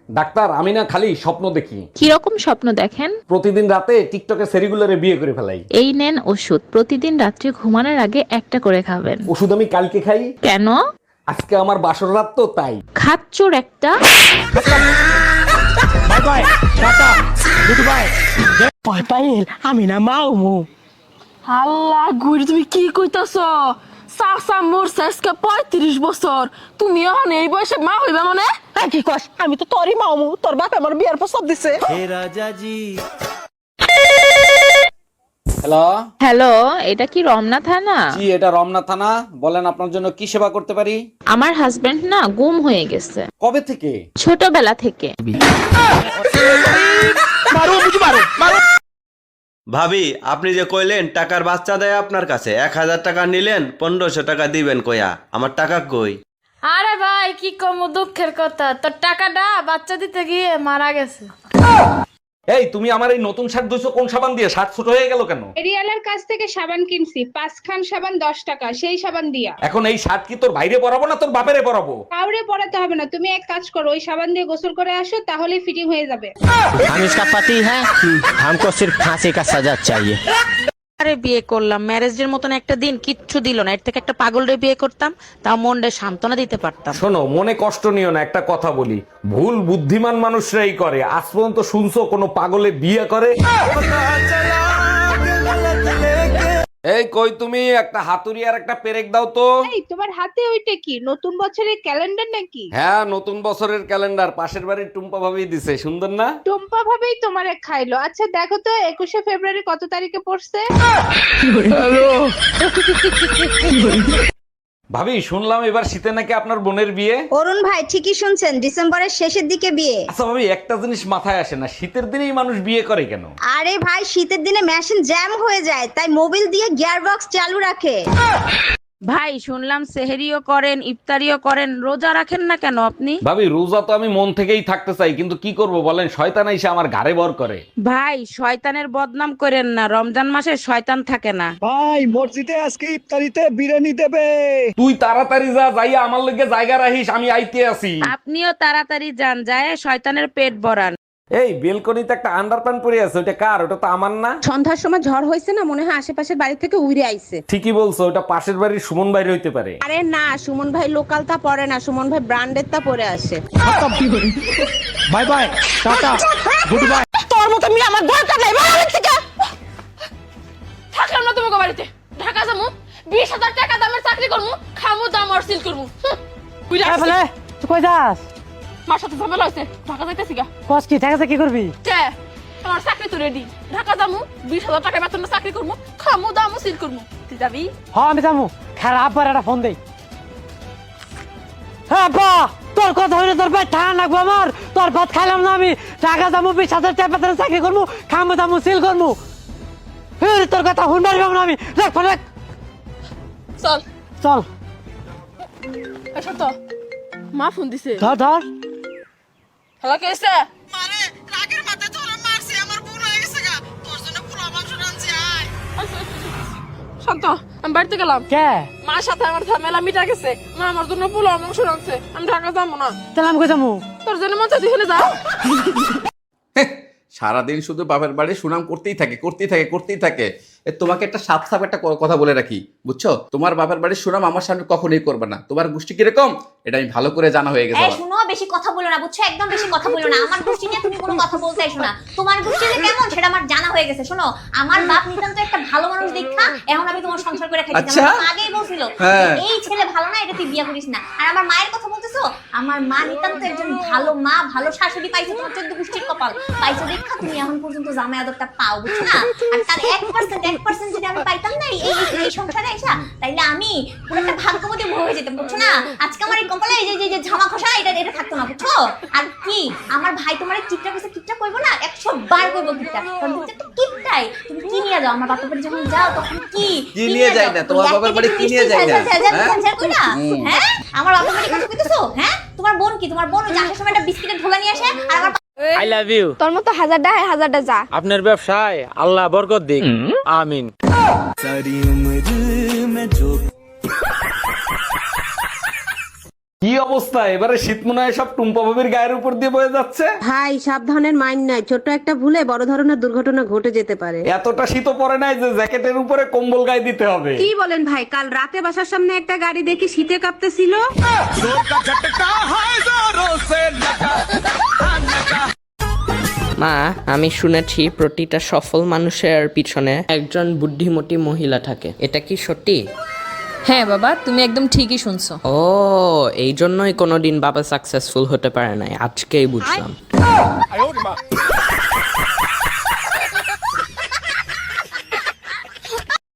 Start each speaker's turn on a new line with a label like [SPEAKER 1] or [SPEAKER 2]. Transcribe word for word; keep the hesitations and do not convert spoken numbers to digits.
[SPEAKER 1] Doctor, আমি না খালি স্বপ্ন দেখি।
[SPEAKER 2] কি রকম স্বপ্ন দেখেন?
[SPEAKER 1] প্রতিদিন রাতে টিকটকে সেরিগুলারে বিয়ে করে ফেলাই।
[SPEAKER 2] এই নেন ওষুধ, প্রতিদিন রাত্রে ঘুমানোর আগে একটা করে খাবেন।
[SPEAKER 1] ওষুধ আমি কালকে খাই,
[SPEAKER 2] কেন?
[SPEAKER 1] আজকে আমার বাসর রাত তো তাই।
[SPEAKER 2] খাচ্চোর একটা।
[SPEAKER 3] Bye bye, tata, goodbye. ভয় পাইল, আমি না মাউমু।
[SPEAKER 4] আল্লাহ গুড়ি, তুমি কি কইতাছ? চাচা মোর শেষকে পঁয়ত্রিশ বছর, তুমি এখন এই বয়সে মা হইবা মানে?
[SPEAKER 3] হ্যাঁ, কি কস? আমি তো তোরই মাউমু, তোর বাপ আমার বিয়ার প্রস্তাব দিছে।
[SPEAKER 1] হ্যালো
[SPEAKER 2] হ্যালো, এটা কি রমনা থানা?
[SPEAKER 1] জি, এটা রমনা থানা। বলেন আপনার জন্য কি সেবা করতে পারি?
[SPEAKER 2] আমার হাজবেন্ড না গুম হয়ে গেছে
[SPEAKER 1] কবে থেকে?
[SPEAKER 2] ছোটবেলা থেকে।
[SPEAKER 5] ভাবি, আপনি যে কইলেন টাকার বাচ্চা দেয় আপনার কাছে, এক হাজার টাকা নিলেন, পনেরোশো টাকা দিবেন কইয়া, আমার টাকা কই?
[SPEAKER 6] আরে ভাই, কি কম দুঃখের কথা, তোর টাকাটা বাচ্চা দিতে গিয়ে মারা গেছে।
[SPEAKER 1] এই, তুমি আমার এই নতুন শার্ট ধুইছো কোন সাবান দিয়ে? শার্ট ছোট হয়ে গেল কেন?
[SPEAKER 7] এরিয়ালার কাছ থেকে সাবান কিনছি, পাঁচ খান সাবান দশ টাকা, সেই সাবান দিয়া।
[SPEAKER 1] এখন এই শার্ট কি তোর বাইরে পরাবো না তোর বাপেরে পরাবো?
[SPEAKER 7] কাউরে পড়াতে হবে না, তুমি এক কাজ করো, ওই সাবান দিয়ে গোসল করে আসো, তাহলেই ফিটিং হয়ে যাবে।
[SPEAKER 3] हम इसका पति है, हमको सिर्फ फांसी का सजा चाहिए।
[SPEAKER 8] আরে বিয়ে করলাম, ম্যারেজের মতন একটা দিন কিচ্ছু দিল না। এর থেকে একটা পাগলরে বিয়ে করতাম, তাও মনটা সান্ত্বনা দিতে পারতাম।
[SPEAKER 1] শোনো, মনে কষ্ট নিও না, একটা কথা বলি, ভুল বুদ্ধিমান মানুষরাই করে। আজ পর্যন্ত শুনছো কোনো পাগলে বিয়ে করে? এই কই তুমি, একটা হাতুড়ি আর একটা পেরেক দাও তো।
[SPEAKER 7] এই তোমার হাতে ওইটা কি, নতুন বছরের ক্যালেন্ডার নাকি?
[SPEAKER 1] হ্যাঁ, নতুন বছরের ক্যালেন্ডার, পাশের বাড়ির টুম্পা ভাবি দিছে, সুন্দর না?
[SPEAKER 7] টম্পা ভাবেই তোমারে খাইলো। আচ্ছা দেখো তো একুশে ফেব্রুয়ারি কত তারিখে পড়ছে?
[SPEAKER 1] ভাবি, শুনলাম এবার শীতে নাকি আপনার বোনের বিয়ে।
[SPEAKER 9] অরুণ ভাই ঠিকই শুনছেন, ডিসেম্বরের শেষের দিকে বিয়ে।
[SPEAKER 1] আচ্ছা ভাবি, একটা জিনিস মাথায় আসে না, শীতের দিনেই মানুষ বিয়ে করে কেন?
[SPEAKER 9] আরে ভাই, শীতের দিনে মেশিন জ্যাম হয়ে যায়, তাই মোবিল দিয়ে গিয়ার বক্স চালু রাখে।
[SPEAKER 8] ভাই শুনলাম সেহেরিও করেন, ইফতারিও করেন, রোজা রাখেন না কেন আপনি?
[SPEAKER 1] ভাবি, রোজা তো আমি মন থেকেই থাকতে চাই, কিন্তু কি করব বলেন, শয়তান এসে আমার ঘাড়ে ভর করে।
[SPEAKER 8] ভাই শয়তানের বদনাম করেন না, রমজান মাসে শয়তান থাকে না।
[SPEAKER 3] ভাই, মসজিদে আজকে ইফতারিতে বিরিয়ানি দেবে।
[SPEAKER 1] তুই তাড়াতাড়ি যা, যাইয়া আমার লগে জায়গা রাখিস, আমি আইতে আছি।
[SPEAKER 8] আপনিও তাড়াতাড়ি যান, যায় শয়তানের পেট ভরান।
[SPEAKER 1] এই বেলকনিতে একটা আন্ডারপ্যান্ট পরে আছে, ওটা কার? ওটা তো আমার না।
[SPEAKER 10] সন্ধ্যার সময় ঝড় হয়েছে না, মনে হয় আশেপাশের বাড়ি থেকে উড়ে আইছে।
[SPEAKER 1] ঠিকই বলছো, ওটা পাশের বাড়ির সুমন বাইরে হইতে পারে।
[SPEAKER 10] আরে না, সুমন ভাই লোকাল তা পরে না, সুমন ভাই ব্র্যান্ডের তা পরে আসে।
[SPEAKER 3] Bye bye, tata, goodbye.
[SPEAKER 4] তোর মতো মেয়ে আমার দরকার নাই, বাড়ি থেকে থাকলাম না তোমাকে বাড়িতে। ঢাকা যাবো, বিশ হাজার টাকা দামের চাকরি করবো, খামু দাম আর সিল করবো।
[SPEAKER 3] এ বলে, তুই কই যাস?
[SPEAKER 4] মার সাথে ঝামেলা হয়েছে, ঢাকা যাইতেছি গা।
[SPEAKER 3] কস কি টাকাতে কি করবি?
[SPEAKER 4] কে? আমার চাকরি তো রেডি, ঢাকা যাবো, বিশ হাজার টাকা বেতনে চাকরি করবো, খামু দামও সিল করবো। তুই যাবি?
[SPEAKER 3] হ্যাঁ, আমি যাবো। খারাপ আব্বার একটা ফোন দেই। হ্যাঁ আব্বা, তোর কথা হইলে তোর ভাই ঠান্ডা লাগবো আমার। তোর ভাত খাইলাম না আমি, টাকা যাবো, বিশ হাজার টাকা বেতনে চাকরি করবো, খামো দামো সিল করবো। ফের তোর কথা শুনবার পাবো না আমি। দেখ ফোন দেখ।
[SPEAKER 4] চল
[SPEAKER 3] চল,
[SPEAKER 4] আচ্ছা তো মা ফোন দিছে।
[SPEAKER 3] ধর ধর।
[SPEAKER 4] হ্যালো, কে এসে? শান্ত, আমি বাড়িতে গেলাম।
[SPEAKER 3] কে?
[SPEAKER 4] মার সাথে আমার ঝামেলা মিটা গেছে, মা আমার জন্য পোলাও মাংস রাঁধছে। আমি ঢাকা যাবো না।
[SPEAKER 3] তাহলে আমি কই যাবো?
[SPEAKER 4] তোর জন্য মন চাই তুই যা।
[SPEAKER 11] সারাদিন শুধু বাপের বাড়ি সুনাম করতেই থাকে করতেই থাকে করতেই থাকে। এ, তোমাকে একটা সাপ সাপ একটা ক- কথা বলে রাখি, বুঝছো? তোমার বাপের বাড়ির সুনাম আমার সামনে কখনোই করবে না। তোমার গোষ্ঠী কিরকম এটা আমি ভালো করে জানা হয়ে গেছে
[SPEAKER 9] এই
[SPEAKER 11] আমার।
[SPEAKER 9] শুনো, বেশি কথা বলো না, বুঝছো? একদম বেশি কথা বলো না। আমার গোষ্ঠী নিয়ে তুমি কোনো কথা বলতে এসো না। তোমার গোষ্ঠী যে কেমন সেটা আমার জানা হয়ে গেছে। শোনো, আমার বাপ নিতান্ত একটা ভালো মানুষ দেখা এখন আমি তোমার সংসার করে খাইছি।
[SPEAKER 11] আচ্ছা।
[SPEAKER 9] আমার মা আগেই বলছিল
[SPEAKER 11] হ্যাঁ।
[SPEAKER 9] যে এই ছেলে ভালো না, এটা তুই বিয়ে করিস না। আর আমার মায়ের কথা বলতেছো, আমার মা নিতান্ত একজন ভালো মা, ভালো শাশুড়ি পাইছে। তোমার চোদ্দ গোষ্ঠীর কপাল পাইছো দেখা তুমি এখন পর্যন্ত জামাই আদরটা পাও, বুঝছো না? আর তার এক পার্সেন্ট এক পার্সেন্ট যদি আমি পাইতাম না এই এই সংসারে এসা, তাইলে আমি পুরো একটা ভাগ্যবতী বউ হয়ে যেতাম, বুঝছো না? আজকে আমার এই কপালে এই যে যে ঝামা খসা এটা এটা থাকতো না, বুঝছো? আর কি আমার ভাই তোমার কিপটা কইছে, কিপটা কইবো না, একশো বার কইবো কিপটা। কারণ তুমি তো একটা কিপটাই। তুমি কি নিয়ে যাও আমার বাপের বাড়ি যখন যাও, তখন কি
[SPEAKER 11] কি নিয়ে যায় না? তোমার বাপের বাড়ি কি নিয়ে যায় না?
[SPEAKER 9] হ্যাঁ, আমার বাপের বাড়ি কথা কইতেছো? হ্যাঁ, তোমার বোন কি? তোমার বোন ওই যে আসার সময় একটা বিস্কিটের ঢোলা নিয়ে আসে, আর আমার
[SPEAKER 3] আই লাভ ইউ।
[SPEAKER 10] তোর মতো হাজারটা হয়, হাজারটা যা।
[SPEAKER 3] আপনার ব্যবসায় আল্লাহ বরকত দিক, আমিন।
[SPEAKER 1] কি অবস্থা, এবারে শীত মনে হয় সব টুম্পা ভাবির গায়ের উপর দিয়ে বয়ে যাচ্ছে।
[SPEAKER 10] ভাই সাবধানের মাইন্ড নাই, ছোট একটা ভুলে বড় ধরনের দুর্ঘটনা ঘটে যেতে পারে।
[SPEAKER 1] এতটা শীতও পড়ে নাই যে জ্যাকেটের উপরে কম্বল গায়ে দিতে হবে।
[SPEAKER 10] কি বলেন ভাই, কাল রাতে বাসার সামনে একটা গাড়ি দেখি শীতে কাঁপতেছিল।
[SPEAKER 8] মা, আমি শুনেছি প্রতিটা সফল মানুষের পিছনে একজন বুদ্ধিমতী মহিলা থাকে, এটা কি সত্যি?
[SPEAKER 6] হ্যাঁ বাবা, তুমি একদম ঠিকই শুনছো।
[SPEAKER 8] ও, এই জন্যই কোনোদিন বাবা সাকসেসফুল হতে পারে নাই, আজকেই বুঝলাম।